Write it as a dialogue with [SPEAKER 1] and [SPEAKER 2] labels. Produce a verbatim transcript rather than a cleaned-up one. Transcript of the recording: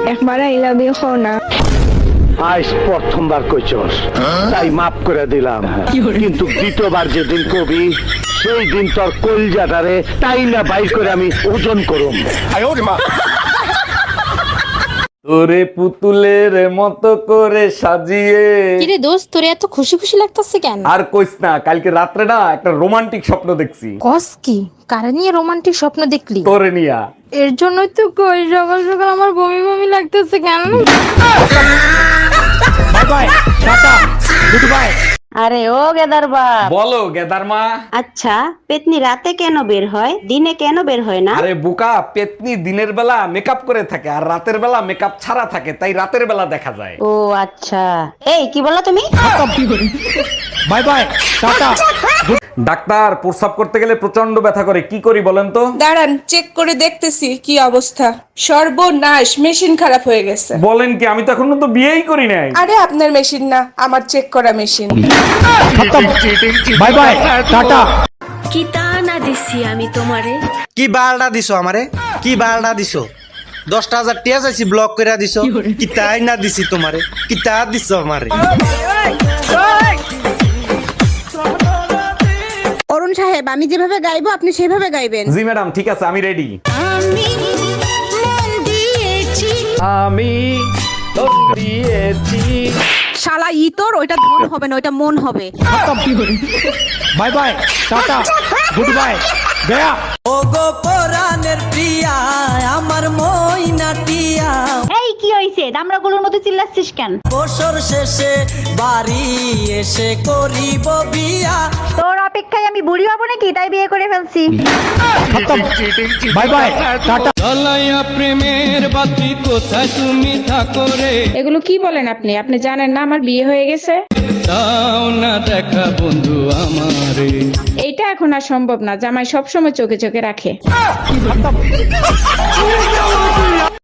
[SPEAKER 1] একবার I love you হও না।
[SPEAKER 2] আজ প্রথমবার কইছস তাই মাফ করে দিলাম, কিন্তু দ্বিতীয়বার যেদিন কবি সেই দিন তোর কলজাটারে তাই না বাইর করে আমি ওজন করুম।
[SPEAKER 3] তোরে পুতুলের মতো করে সাজিয়ে।
[SPEAKER 4] কিরে দোস্ত, তোরে এত খুশি খুশি লাগতেছে কেন?
[SPEAKER 3] আর কইস না, কালকে রাত্রে না একটা রোমান্টিক স্বপ্ন দেখছি।
[SPEAKER 4] কস কি? কারে নিয়ে রোমান্টিক স্বপ্ন দেখলি?
[SPEAKER 3] তোরে নিয়া।
[SPEAKER 4] এর জন্যই তো কই সকাল সকাল আমার বমি বমি লাগতেছে কেন?
[SPEAKER 3] Bye bye, tata, good bye.
[SPEAKER 5] আরে ও গেদার বাপ,
[SPEAKER 3] বলো গেদার মা।
[SPEAKER 5] আচ্ছা পেতনি রাতে কেন বের হয়, দিনে কেন বের হয় না?
[SPEAKER 3] আরে বোকা, পেতনি দিনের বেলা মেকআপ করে থাকে আর রাতের বেলা মেকআপ ছাড়া থাকে, তাই রাতের বেলা দেখা যায়।
[SPEAKER 5] ও আচ্ছা, এই কি বললা তুমি?
[SPEAKER 3] By bye, tata. ডাক্তার, প্রস্রাব করতে গেলে প্রচন্ড ব্যথা করে, কি করি বলেন তো?
[SPEAKER 6] দাঁড়ান, চেক করে দেখতেছি কি অবস্থা। সর্বনাশ, মেশিন খারাপ হয়ে গেছে।
[SPEAKER 3] বলেন কি? আমি তো এখনো তো বিয়েই করি নাই।
[SPEAKER 6] আরে আপনার মেশিন না, আমার চেক করা মেশিন।
[SPEAKER 3] By bye, tata.
[SPEAKER 7] কি তা না দিছি আমি তোমারে?
[SPEAKER 8] কি বালটা দিছো আমারে? কি বালটা দিছো? দশটা হাজার টিয়া চাইছি, ব্লক করে দিছো। কি তাই না দিছি তোমারে? কি তা দিছো আমারে?
[SPEAKER 9] অরুণ সাহেব, আমি যেভাবে গাইবো আপনি সেভাবে গাইবেন।
[SPEAKER 3] জি ম্যাডাম, ঠিক আছে, আমি রেডি।
[SPEAKER 7] আমি মন দিয়েছি।
[SPEAKER 3] আমি তো দিয়েছি।
[SPEAKER 9] শালা ই তোর ওইটা ধন হবে না, ওইটা মন হবে।
[SPEAKER 3] Bye bye, tata, good bye, গয়া।
[SPEAKER 8] ও গো পরাণের প্রিয়া, আমার মইনা টিয়া,
[SPEAKER 5] এই কি হইছে, দামড়াগুলোর মতো চিল্লাচ্ছিস কেন?
[SPEAKER 8] বছর শেষে বাড়ি এসে করিব বিয়া।
[SPEAKER 5] তোর অপেক্ষায় আমি বুড়ি হবো নাকি, তাই বিয়ে করে ফেলছি।
[SPEAKER 3] Bye bye, tata.
[SPEAKER 8] প্রেমের বাতি কোথায় তুমি থাকো রে?
[SPEAKER 1] এগুলো কি বলেন আপনি? আপনি জানেন না আমার বিয়ে হয়ে গেছে?
[SPEAKER 8] দাও না দেখা বন্ধু আমারে।
[SPEAKER 1] এইটা এখন আর সম্ভব না, জামাই সবসময় চোখে চোখে রাখে।